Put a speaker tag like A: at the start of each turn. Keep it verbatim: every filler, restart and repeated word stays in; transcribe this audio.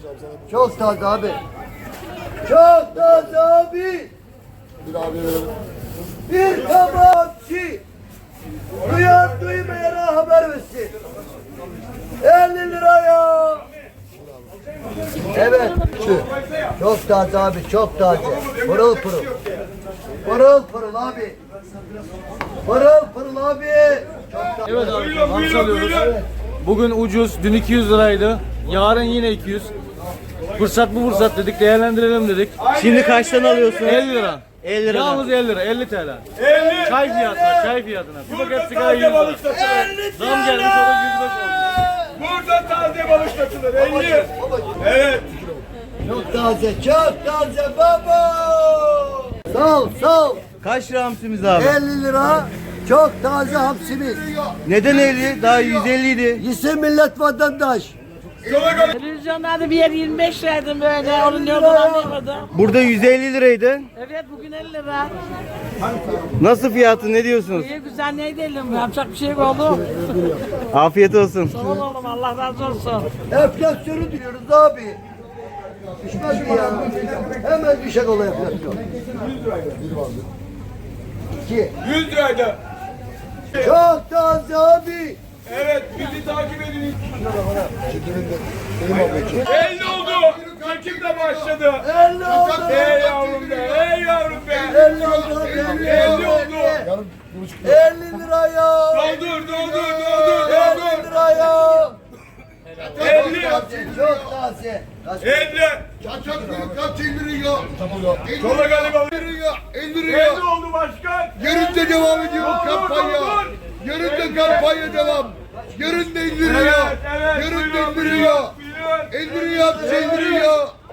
A: Çok taze abi. Çok taze abi.
B: Bir abi verelim.
A: Bir kabakçı. Duyan duymayana haber versin. elli liraya. Evet. Şu. Çok taze abi, çok taze. Pırıl pırıl. Pırıl pırıl abi. Pırıl pırıl abi. Çok taze.
C: Evet abi, hamsi alıyoruz. Bugün ucuz, dün iki yüz liraydı. Yarın yine iki yüz. Fırsat bu fırsat dedik, değerlendirelim dedik.
D: Şimdi kaçtan alıyorsun?
C: elli lira.
D: elli lira.
C: Yalnız elli lira, elli T L.
E: elli.
C: Çay fiyatına, çay fiyatına. Bir paket sigara yüz lira. Zam gelmiş, o da yüz beş oldu.
E: Burada taze balık satılır. elli. Evet.
A: Çok taze, çok taze baba. Sağ ol, sağ ol.
D: Kaç lira hamsimiz abi?
A: elli lira. Çok taze hamsimiz.
D: Neden elli? Daha yüz elli idi.
A: Gitsin millet vatandaş.
F: Televizyonlarda bir yer yirmi beş liraydı böyle. Onun ne olduğunu anlayamadım.
D: Burada yüz elli liraydı.
F: Evet bugün elli lira.
D: Nasıl fiyatı, ne diyorsunuz?
F: İyi güzel neydi elim? Yapacak bir şey mi oldu?
D: Afiyet olsun.
F: Sağ ol oğlum Allah razı olsun.
A: Enflasyonu diyoruz abi. Düşmez mi ya? Hemen düşecek olay enflasyon. İki.
E: yüz liraydı.
A: Çok taze abi.
E: Evet, bizi takip edin. elli oldu. Çekim de başladı.
A: elli oldu.
E: Ey yavrum be, ey yavrum be.
A: elli oldu.
E: elli oldu.
A: elli liraya.
E: Doldur, doldur, doldur,
A: elli
E: doldur.
A: liraya.
E: elli.
A: Çok taze.
E: elli.
B: Kaçak kaç indiriyor?
E: Sola galiba.
B: İndiriyor.
E: elli oldu başkan.
B: Yarın da devam ediyor
E: Doldur,
B: kampanya.
E: doldur.
B: Yarın da kampanya devam. Yarın da indiriyor.
E: Evet, evet.
B: Yarın da
E: Buyurun,
B: indiriyor.
E: buyurun, buyurun.
B: İndiriyor, indiriyor.